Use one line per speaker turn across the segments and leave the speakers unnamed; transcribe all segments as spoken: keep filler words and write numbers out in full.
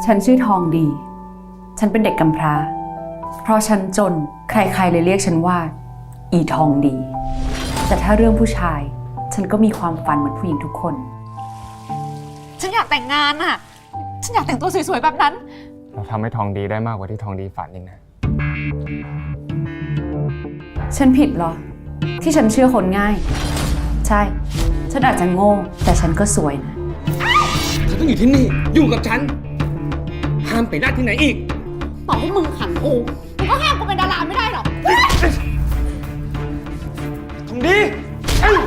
ฉันชื่อทองดี ฉันเป็นเด็กกำพร้า เพราะฉันจนใครๆเลยเรียกฉันว่า อีทองดี แต่ถ้าเรื่องผู้ชาย ฉันก็มีความฝันเหมือนผู้หญิงทุกคน
ฉันอยากแต่งงานอะฉันอยากแต่งตัวสวยๆแบบนั้น
เราทำให้ทองดีได้มากกว่าที่ทองดีฝันอีกนะ
ฉันผิดเหรอ ที่ฉันเชื่อคนง่าย ใช่ ฉันอาจจะโง่แต่ฉันก็สวยนะ
เธอต้องอยู่ที่นี่อยู่กับฉัน ห้ามไปหน้าที่ไหนอีก
ต่อให้มึงขังกูมึงก็ห้ามกูเป็นดาราไม่ได้หรอก
ทองดีเอ้ย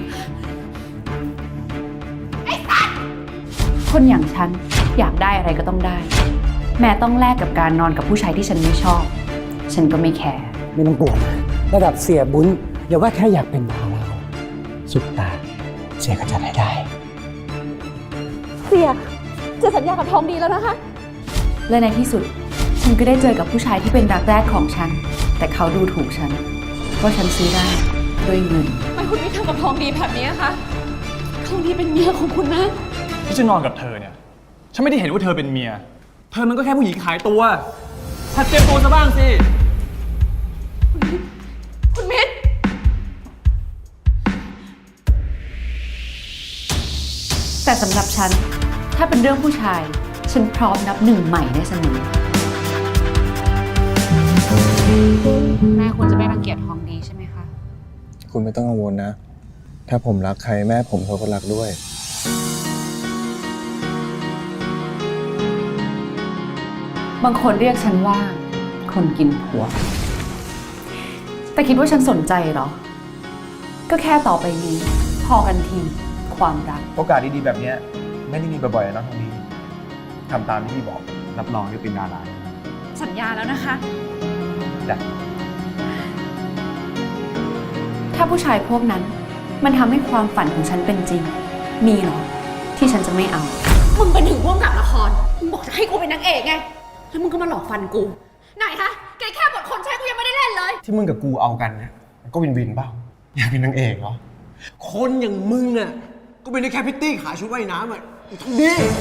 คนอย่างฉันอยากได้อะไรก็ต้องได้ แม้ต้องแลกกับการนอนกับผู้ชายที่ฉันไม่ชอบ ฉันก็ไม่แคร์
ไม่ต้องกลัวนะระดับเสียบุญอย่าว่าแค่อยากเป็นดาราสุดตาเสียก็จัดให้ได้
เสียจะสัญญากับทองดีแล้วนะคะ
และในที่สุด ฉันก็ได้เจอกับผู้ชายที่เป็นรักแรกของฉัน แต่เขาดูถูกฉันว่าฉันซื้อได้ด้วยเงิน
ทำไมคุณไม่ทำกับทองดีแบบนี้คะทองดีเป็นเมียของคุณนะ
ที่ฉันนอนกับเธอเนี่ย ฉันไม่ได้เห็นว่าเธอเป็นเมีย เธอมันก็แค่ผู้หญิงขายตัวหัดเตรียมตัวซะบ้างสิ
คุณมิตร
แต่สำหรับฉันถ้าเป็นเรื่องผู้ชาย ฉันพร้อมนับหนึ่งใหม่ได้เสมอแม่คุณจะไม่รังเกียจทองดีใช่ไหมคะ
คุณไม่ต้องกังวลนะ ถ้าผมรักใครแม่ผมเขาก็รักด้วย
บางคนเรียกฉันว่าคนกินผัว แต่คิดว่าฉันสนใจเหรอ ก็แค่ต่อไปนี้พอกันทีความรัก
โอกาสดีๆแบบนี้ไม่ได้มีบ่อยๆนะทองดีทำตามที่พี่บอกรับรองจะเป็นดารา
สัญญาแล้วนะคะ
จ้ะ
ถ้าผู้ชายพวกนั้นมันทำให้ความฝันของฉันเป็นจริง มีเหรอ ที่ฉันจะไม่เอา
มึงเป็นถึงร่วมกับละคร มึงบอกจะให้กูเป็นนางเอกไง แล้วมึงก็มาหลอกฟันกู ไหนฮะ แกแค่บทคนใช้กูยังไม่ได้เล่นเลย
ที่มึงกับกูเอากันเนี่ยมันก็วินวินเปล่าอยากเป็นนางเอกเหรอ คนอย่างมึงน่ะก็เป็นได้แค่พิตตี้ขายชุดว่ายน้ำอ่ะทองดี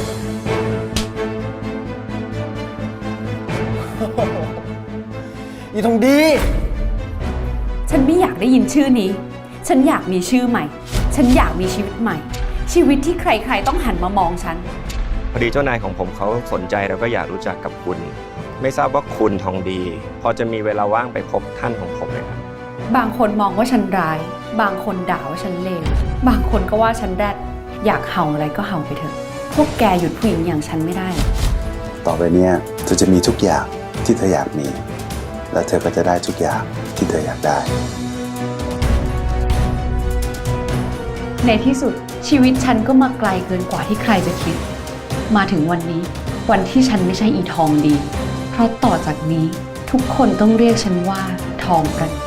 อีทองดี
ฉันไม่อยากได้ยินชื่อนี้ ฉันอยากมีชื่อใหม่ ฉันอยากมีชีวิตใหม่ ชีวิตที่ใครๆต้องหันมามองฉัน
พอดีเจ้านายของผมเขาสนใจแล้วก็อยากรู้จักกับคุณ ไม่ทราบว่าคุณทองดี พอจะมีเวลาว่างไปพบท่านของผมไหมครับ
บางคนมองว่าฉันร้าย บางคนด่าว่าฉันเลว บางคนก็ว่าฉันแรด อยากเห่าอะไรก็เห่าไปเถอะ พวกแกหยุดผู้หญิงอย่างฉันไม่ได้หรอก
ต่อไปเนี่ยเธอจะมีทุกอย่างที่เธออยากมี และเธอก็จะได้ทุกอย่างที่เธออยากได้
ในที่สุดชีวิตฉันก็มาไกลเกินกว่าที่ใครจะคิด มาถึงวันนี้ วันที่ฉันไม่ใช่อีทองดี เพราะต่อจากนี้ทุกคนต้องเรียกฉันว่าทองประ